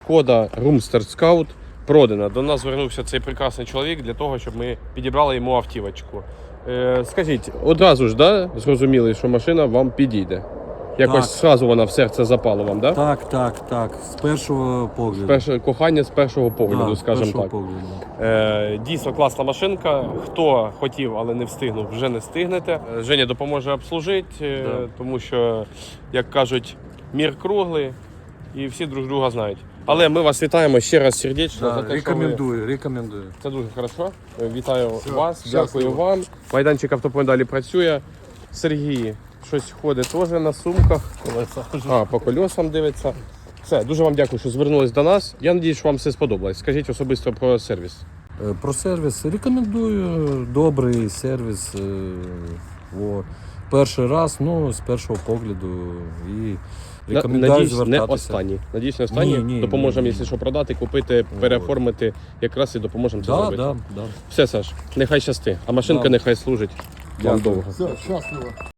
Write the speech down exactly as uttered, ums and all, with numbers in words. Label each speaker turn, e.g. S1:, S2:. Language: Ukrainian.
S1: Шкода Румстер Скаут продана. До нас звернувся цей прекрасний чоловік для того, щоб ми підібрали йому автівочку. Е, скажіть, одразу ж да, зрозуміли, що машина вам підійде? Якось зразу вона в серце запала вам, да?
S2: Так, так, так. З першого погляду.
S1: Перше, кохання з першого погляду,
S2: да,
S1: скажімо так.
S2: Погляду.
S1: Е, дійсно класна машинка. Хто хотів, але не встигнув, вже не встигнете. Е, Женя допоможе обслужити, е,
S2: Да.
S1: тому що, як кажуть, мір круглий і всі друг друга знають. Але ми вас вітаємо ще раз сердечно
S2: Да,
S1: за те,
S2: рекомендую,
S1: що ви...
S2: рекомендую.
S1: Це дуже хорошо. Вітаю
S2: Все,
S1: вас,
S2: щасливо.
S1: дякую вам. Майданчик Автопоінт далі працює. Сергій щось ходить теж на сумках. А, по колесам дивиться. Все, дуже вам дякую, що звернулись до нас. Я сподіваюся, що вам все сподобалось. Скажіть особисто про сервіс.
S2: Е, Про сервіс рекомендую. Добрий сервіс. е, О, перший раз, ну, з першого погляду. І рекомендую
S1: Надіюсь, не
S2: звертатися.
S1: останній. Надіюсь, не останній.
S2: Ні, ні,
S1: допоможемо,
S2: ні,
S1: якщо
S2: ні.
S1: що, продати, купити, переоформити. Якраз і допоможемо це
S2: Да,
S1: зробити.
S2: да, да.
S1: Все, Саш, нехай щасти. А машинка
S2: Да.
S1: нехай служить вам
S2: Дякую.
S1: довго.
S3: Все, щасливо.